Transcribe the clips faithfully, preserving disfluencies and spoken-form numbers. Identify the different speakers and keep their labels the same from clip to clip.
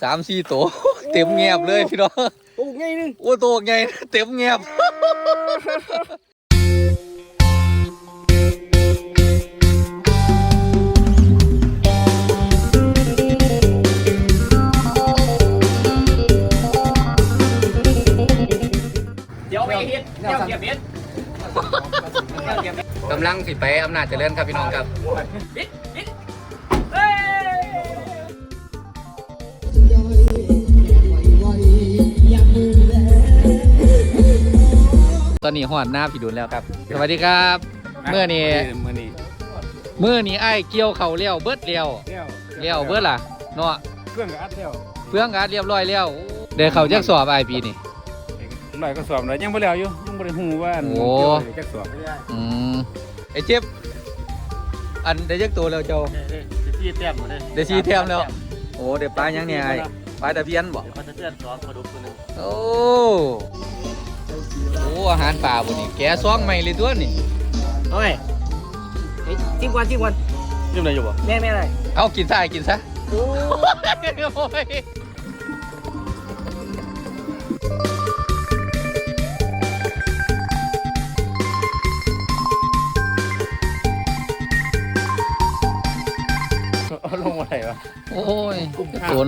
Speaker 1: สามสี่ตัวเต็มเงียบเลยพี่น้อง
Speaker 2: ตัวใหญ่นึง
Speaker 1: โอ้ตัวใหญ่เต็มเงียบ
Speaker 2: เดี๋ยวไปเฮ็ดเดี๋ยวเก็บเฮ็ด
Speaker 1: กำลังสิไปอำนาจเจริญครับพี่น้องครับตอนนี้หอดหน้าพี่ดุลแล้วครับสวัสดีครับเมื่อนี้เมื่อนี้เมื่อนี้ไอ้เกี่ยวเข่าเลี้ยวเบิดเลี้ยวเลี้ยวเบิดล่ะเนาะ
Speaker 3: เพื่อนกับอัดเลี้ยว
Speaker 1: เพื่อนกัดเรียบร้อยแล้วเดี๋ยวเขาจะสอบไอปีนี่
Speaker 3: หน่อยก็สอบเลยยังไม่แล้วอยู่ยังไม่ได้หูว่าโอ้จะสอบ
Speaker 1: อืมไอเจ็บอันได้ยักตัวแล้วเจ้า
Speaker 2: เดี๋ยวซีแต้มหมดเลย
Speaker 1: เดี๋ยวซีแต้มแล้วโอ้เดี๋ยวปลายังเนี่ยไอ้ปลาตะเพียนบ่
Speaker 2: เดี๋ยวปลาตะเพียนสองปลาดุกตัวนึง
Speaker 1: โอ้โอ้อาหารป่าบุนี่แกะซองใหม่เลยตัวนี่
Speaker 2: เอาไงจิ้มก่อนจิ้มก่อน
Speaker 3: จิ้มอะไรอยู่บ่
Speaker 2: แม่แม่อะไร
Speaker 1: เอากินซะกินซะโอ้ย
Speaker 3: ลงอะไรวะ
Speaker 1: โอ้ยโดน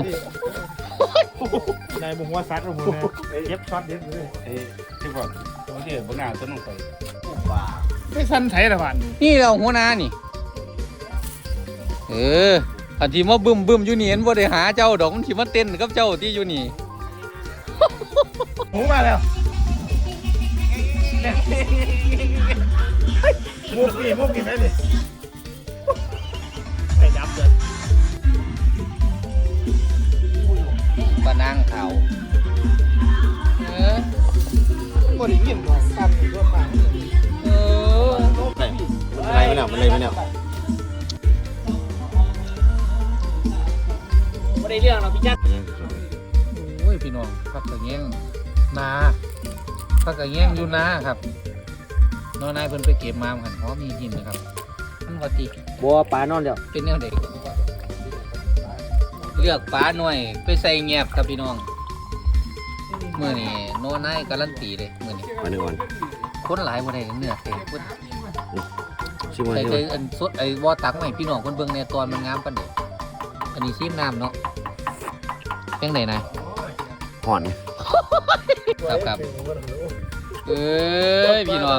Speaker 3: นายบุ้งว่าซัดลงมือเย็บช็อตเย็บเลยเอ้ที่บอกตัวที่บนหน้าต้นลงไปไม่สั้นไถละพัน
Speaker 1: นี่เราหัวหน้านี่เอออันที่มาบึ้มบึ้มอยู่นี่เห็นว่าได้หาเจ้าดอกมันที่มาเต้นกับเจ้าที่อยู่นี่
Speaker 3: หมูมาแล้วมุกนี่มุกนี่ไหมนี่ไปจับเลย
Speaker 1: ปะนางเขาเออ
Speaker 3: บ่ได้ยินหรอกซ้ำอยู่ตัวปาก
Speaker 1: เออ
Speaker 3: มันอะไรไม่เนี่ยมันอะไรไม่เนี่ย
Speaker 2: ไม่ได้เรื่องเราพี่จัด
Speaker 1: โอ้ยพี่น้องพักกระเงี้ยงนาพักกระเงี้ยงอยู่นาครับน้องนายเพิ่นไปเก็บมาหันเพราะมีหินนะครับมันก็ตี
Speaker 2: บัวปลานอนเดียว
Speaker 1: เป็นแนวเด็กเลือกปลาหน่อยไปใส่เงียบครับพี่น้องเมื่อนี้โน้นายการันตีเลยเมื่อนี้
Speaker 3: มาหนึ่งวัน
Speaker 1: คนหลายวันไหนเนื้อเต็มพุ่น
Speaker 3: ใส่
Speaker 1: ใส่อันสดไอ้วอตักใหม่พี่น้องคนเบิ่งในตอนมันงามปันเด็กอันนี้ซีมน้ำเนาะเป็นไหนนาย
Speaker 3: ห่อน
Speaker 1: ครับครับเอ้ยพี่น้อง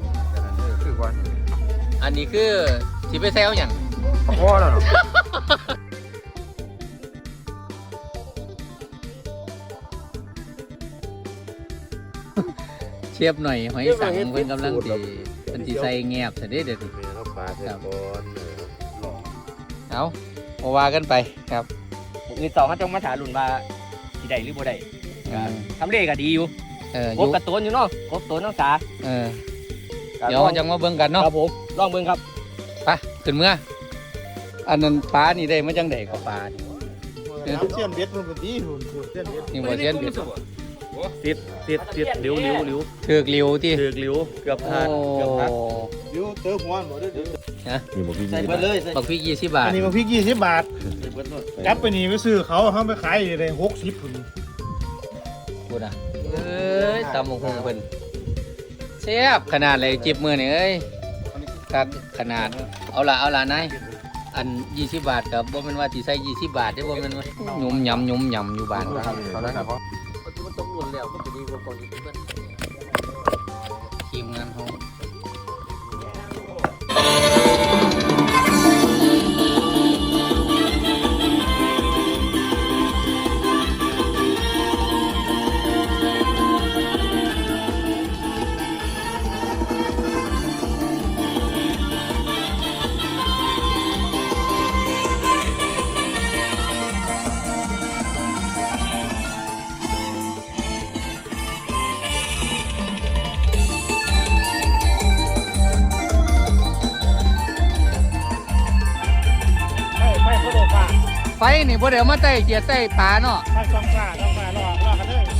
Speaker 1: อันนี้คือสิไปแซวอย่าง
Speaker 3: พ่อแล้วเนาะ
Speaker 1: เชียบหน่อยหอยสังเพิ่นกำลังตีเป็นตีใส่เงียบเสร็จเด็ดดิเอาเอาว่ากันไปครับ
Speaker 2: มีสองเขาจงมาถามหลุนว่าที่ใดหรือบ่ได้ทำเลขก็ดีอยู่กบกระตุ้นอยู่เนาะกบตุ้นน้องสา
Speaker 1: เออเดี๋ยวจะมาเบิ่งกันเนาะ
Speaker 2: ครับผมลองเบิ่งครับ
Speaker 1: ไปขึ้นเมื่ออันนั้นปลานี่ได้มาจังไดกับปลา
Speaker 3: เสี้ยนเบ็ดมันเป็นดีหุ่นเสี้ยนเบ็ด
Speaker 1: นี่บ่เสี้ยนเบ็ด
Speaker 2: ติดติดติดหลิวหลิวหลิว
Speaker 1: ถือกหลิวที่
Speaker 2: ถือกหลิวเกือบขาดเกือบขาด
Speaker 3: หลิวเติมหัวหมดเลย
Speaker 1: ฮะ
Speaker 3: นี่บอกพี่
Speaker 2: ใส่เบิดเลย
Speaker 1: บักพริกยี่สิบบาท
Speaker 3: อันนี้บอกพี่ยี่สิบบาทจับไปนี่ไปซื้อเขาเขาไปขายได้หกสิบคน
Speaker 1: พูดอ่ะเอ้ยตำบักหุ่งเพิ่นแซ่บขนาดเลยจิบมือนี่เอ้ยครับขนาดเอาละเอาละนายอันยี่สิบบาทกับบ่แม่นว่าสิใส่ยี่สิบบาทได้บ่แม่นว่ายุ่มยำยุ่มยำอยู่บ้านครับ
Speaker 3: เขาได้ครับ
Speaker 2: มันต้องหลุนแล้วก็จะดีกว่าก่อนที่เพื่อน
Speaker 1: ทีมงานเขาไฟนี่บ่เดี๋ยวมาไต่เกียร์ไต่ปลาเนาะ
Speaker 3: ไฟสองปลาสองปลารอรอกันเลย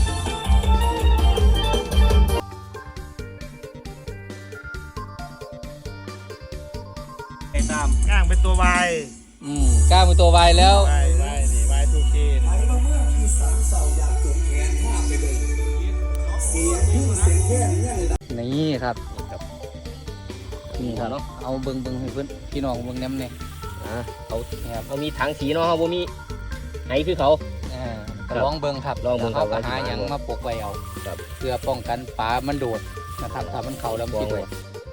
Speaker 3: ไอ้ตามก้างเป็นตัววาย
Speaker 1: อืมก้างเป็นตัววายแล้ว
Speaker 3: วายวายนี่วายทูเค
Speaker 1: นี่ครับนี่ครับเอาเบิ้งเบิ้งให้เพื่อนพี่น้องเบิ้งแนมเนี่ย
Speaker 2: อ่าเขาเขามีถังสีเนาะเขาบ่มีไหคือเขา
Speaker 1: อ่าก็ลองเบิ้งครับ
Speaker 2: ลองเบิ่งครับ
Speaker 1: เขาก็หาหยังมาปกไว้เอา
Speaker 2: ครับ
Speaker 1: เพื่อป้องกันปลามันโดดนะครับถ้ามันเข่าแล้วมันสิโดด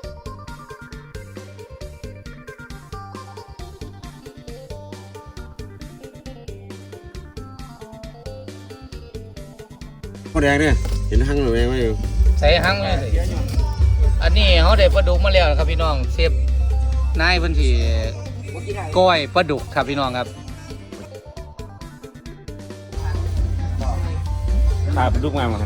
Speaker 4: ข้าวแดงเนี่ยเห็นหั่งหรือไม่อยู่
Speaker 1: ใส่หั่งเลยอันนี้เขาได้ปลาดุกมาแล้วครับพี่น้องเชฟนายเพิ่นสิก้อยปลาดุกครับพี่น้องครับ
Speaker 4: ตาเป็นลูกมาเหมือนกัน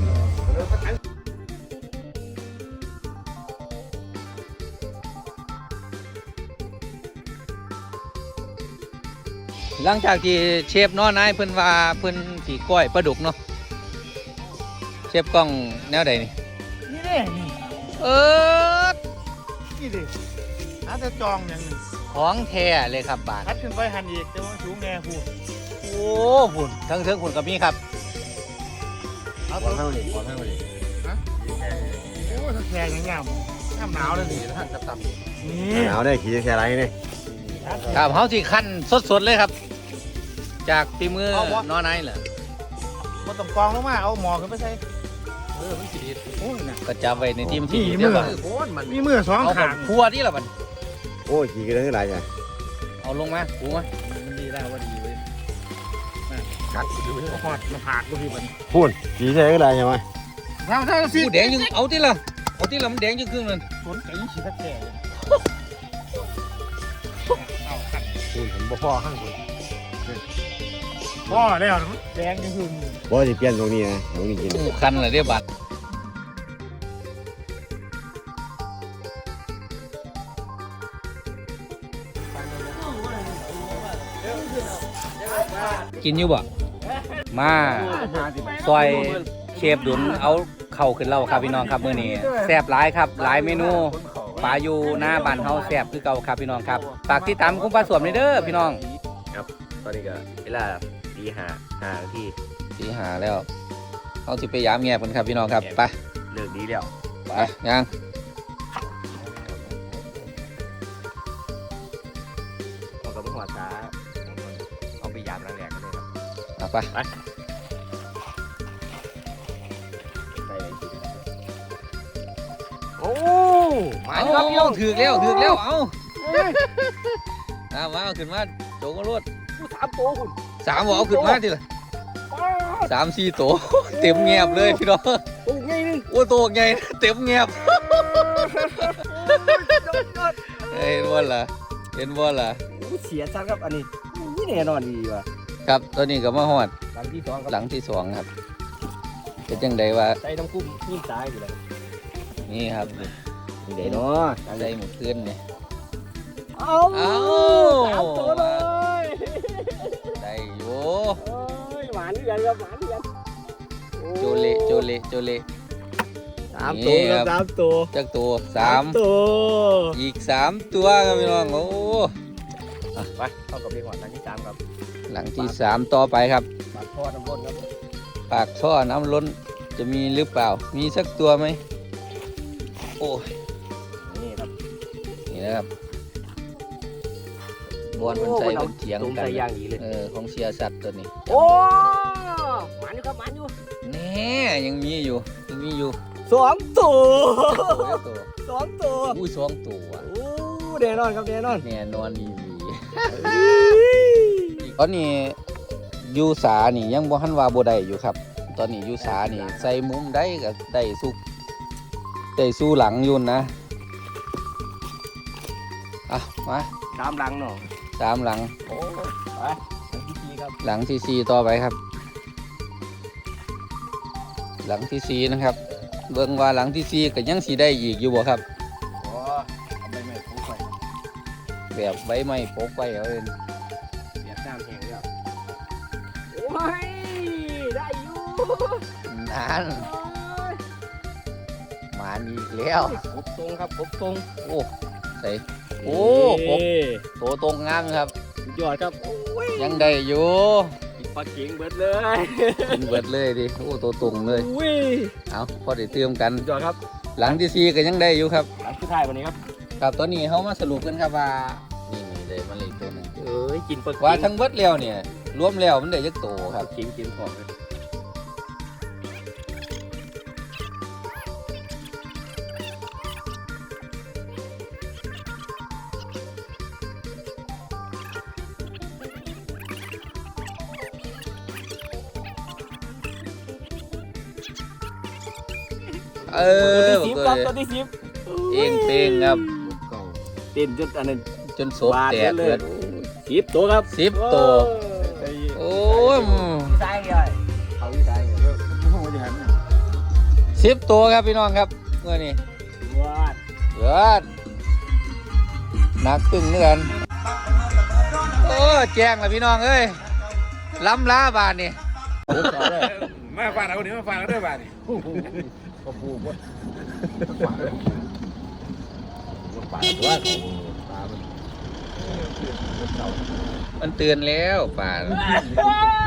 Speaker 1: หลังจากที่เชฟน้อนายเพิ่นว่าเพิ่นสิก้อยปลาดุกเนาะเชฟกล้องแนวใดนี่
Speaker 3: นี่เด้นี่
Speaker 1: เออ
Speaker 3: นี่เด้อาจจะจองอย่างหนึ่ง
Speaker 1: ของแท้เลยครับบาท
Speaker 3: พัดขึ้นไปหันอีกแต่ว่าสูงแน่พูด
Speaker 1: โอ้พุ่นทั้งเทิงพุ่นกับมีครับ
Speaker 3: เอา
Speaker 4: บอ
Speaker 3: ตัว
Speaker 4: ลให้มาดิบอลให้มาดิ
Speaker 3: โอ้ถ้าแข็งอย่างเงี้ยน้ำหนาวเลยนี่ท่านกับตับนี่
Speaker 4: หนาวได้ขี่แค่ไรนี่
Speaker 1: ครับเฮาสิคั่นสดๆเลยครับ จากฝีมือน้อนายเหรอ
Speaker 3: มันต้องกองลงมาเอาหมอขึ้นไปใส่
Speaker 1: เออมันสิดี
Speaker 3: โอ้ยนะ
Speaker 1: ก็จับไว้ในทีมที่
Speaker 3: นี่
Speaker 1: เดี๋ยว
Speaker 3: มือ
Speaker 1: ก่อน
Speaker 3: มีมือสอง
Speaker 1: เอา
Speaker 3: ขาง
Speaker 1: ครัวนี่ล่ะบัด
Speaker 4: โอ้ยขี่กันได้เท่าไหร่จ้ะ
Speaker 1: เอาลงมาปูมา
Speaker 3: มันดีแล้วว่าดีเว้ยกัดดูให้หอดมาผาดกูพี่มัน
Speaker 4: พูดขี่แค่เท่าไหร่ใช่ไหม
Speaker 3: เท่าเท่าสิ
Speaker 1: ปูแดงยังเอาติล่ะเอาติล่ะมันแดงจังครึ่งนั่น
Speaker 3: สนใจฉีดตะแก่เอาขัด
Speaker 4: พูดผมบ่พ่อข้างคุณ
Speaker 3: พ่อแล้วแดงยังคือ
Speaker 4: บ่จะเปลี่ยนตรงนี้นะตรงนี้กิน
Speaker 1: ปูคันล่ะเด้บัดกินอยู่บ่มาซอยเชฟดุนเอาเข่าขึ้นเล่าครับพี่น้องครับมื้อนี้แซ่บหลายครับหลายเมนูปลาอยู่หน้าบ้านเฮาแซ่บคือเก่าครับพี่น้องครับฝากติดตามคุ้มปลาสวมนี่เด้อพี่น้อง
Speaker 2: ครับตอนนี้ก็เวลาตีห้าห้านาที
Speaker 1: สีหาแล้วเอาสิไปยามแง่เพิ่นครับพี่น้องครับไป
Speaker 2: เลิกดีแล้ว
Speaker 1: ไปยัง
Speaker 2: เราก็เพิ่งหัวช้าเอาไปยามล้างแหลกกันเลยครับ
Speaker 1: เอาไป
Speaker 2: ไปไปเลยทีเดียวโอ้มา
Speaker 1: เอา
Speaker 2: ครับพี่น้อง
Speaker 1: ถือกแล้วถือกแล้วเอาเอามาเอาขึ้นมาโจกรวด
Speaker 2: สามตัวคุณ
Speaker 1: สามบอกเอาขึ้นมาทีละสามสี่ตัวเต็มแงบเลยพี่น้อง
Speaker 2: ตัวใหญ่นึง
Speaker 1: โอ้ตัวใหญ่เต็มแงบเห็นบ่ล่ะเห็นบ่ล่ะ
Speaker 2: เสียชัดครับอันนี้นี่แน่นอนดีว่ะ
Speaker 1: ครับตอนนี้ก็มาฮอด
Speaker 2: หลังที่สองครับ
Speaker 1: หลังที่สองครับเป็นจังไดว่า
Speaker 2: ใส่น้ำกุ้งยิ่งตายอยู่เลย
Speaker 1: นี่ครับ
Speaker 2: เดี๋ยวเนาะ
Speaker 1: ได้หมดขึ้นเนี่ย
Speaker 2: เอา
Speaker 1: เอา
Speaker 2: สามตัวเลย
Speaker 1: ได้อยู่
Speaker 2: เอ้ยหวานนี่กันครับหวานนี่กัน
Speaker 1: โจเลโจเลโจเล
Speaker 2: สามตัวครับสามตัว
Speaker 1: จักตัวสาม
Speaker 2: ตัว
Speaker 1: อีกสามตัวครับพี่น้องโอ้
Speaker 2: ไปเข้ากับเรียกว่าหลังที่สามครับ
Speaker 1: หลังที่สามต่อไปครับ
Speaker 2: ปากทอดน้ำร้อนครับ
Speaker 1: ปากท่อน้ำล้นจะมีหรือเปล่า มีสักตัวไหมโอ้ย
Speaker 2: นี่ครับ
Speaker 1: นี่นะครับบอลมันใส่เป็นเถียง
Speaker 2: ตรง
Speaker 1: กัน
Speaker 2: ใส่ย่างดีเลย
Speaker 1: เออของเชียร์สัตว์ตัวนี้
Speaker 2: โอ้หวานอยู่ครับหวานอยู่
Speaker 1: แน่ยังมีอยู่ยังมีอยู่
Speaker 2: สองตัว
Speaker 1: ตัวตัว
Speaker 2: สองตัว
Speaker 1: อุ้ยสองตัว
Speaker 2: โอ้แน่นอนครับแน่นอน
Speaker 1: แน่นอนดีดีตอนนี้ยูสานี่ยังบ่ทันว่าบ่ได้อยู่ครับ ตอนนี้ยูสานี่ใส่มุมได้ก็ได้สุกได้สู้หลังอยุ่นนะอ่ะมา
Speaker 2: ตามหลังเนาะ
Speaker 1: สามหลัง
Speaker 2: โอ้ไปหลังที่สี่ครับ
Speaker 1: หลังที่สี่ต่อไปครับ หลังที่สี่นะครับ เบิ่งว่าหลังที่สี่ก็ยังสีได้อีกอยู่บ่ครับ
Speaker 2: โอ้เอาใบไม้ปูไป
Speaker 1: แบบใบไม้ปกไว้เอาเอง
Speaker 2: เสียบน้ำแห้งแล้วโอ้ยได้อยู่
Speaker 1: นานหมานอีกแล้ว
Speaker 2: กบตรงครับกบตรง
Speaker 1: โอ้ใส่โอ้กบโตตรงงามครับ
Speaker 2: สุดยอดครับโอ้ย
Speaker 1: ยังได้อยู่
Speaker 2: อีกปลาเข็งเบิดเลย
Speaker 1: กินเบิดเลยดิโอ้ตัวตรงเลย
Speaker 2: อุ้ย
Speaker 1: เอาพอได้เติมกัน
Speaker 2: ยอดครับ
Speaker 1: หลังที่สี่ก็ยังได้อยู่ครับ
Speaker 2: หลังสุดท้ายวันนี้ครับ
Speaker 1: ครับตอนนี้เขามาสรุปกันครับว่านี่นี่เลยมันเลยตัวหนึง
Speaker 2: เอ้ยกินปลา
Speaker 1: ว่า
Speaker 2: เข็ง
Speaker 1: ทั้งเบิดแล้วเนี่ยรวมแล้วมันได้ยักโตครับ
Speaker 2: เข็งกินของเลย
Speaker 1: เออ
Speaker 2: ตัวที่สิบ
Speaker 1: ก็
Speaker 2: ครับ
Speaker 1: เลย
Speaker 2: ตัวที่สิบ
Speaker 1: เองเป้งครับ
Speaker 2: เต้นจนอันนั้น
Speaker 1: จนโซบแตก
Speaker 2: เล
Speaker 1: เบิ
Speaker 2: ย
Speaker 1: ด
Speaker 2: สิบตัวครับ
Speaker 1: สิบตัว โอ้ย
Speaker 2: พี่ชายเลยเขาพี่ชาย
Speaker 3: ห้องบริหารเนี่ย
Speaker 1: สิบตัวครับพี่น้องครับเมื่อนี้
Speaker 2: วาด
Speaker 1: เดือดหนักตึงเนื้อนโอ้แจ้งแล้วพี่น้องเอ้ยล้ำล้าบานนี่
Speaker 3: มาฟังเอาเดี๋ยวมาฟังเอาด้วยบ้านนี่
Speaker 4: ก็พูดว่า
Speaker 3: ป่าตัว
Speaker 1: มันเตือนแล้วป่า
Speaker 2: ว้าว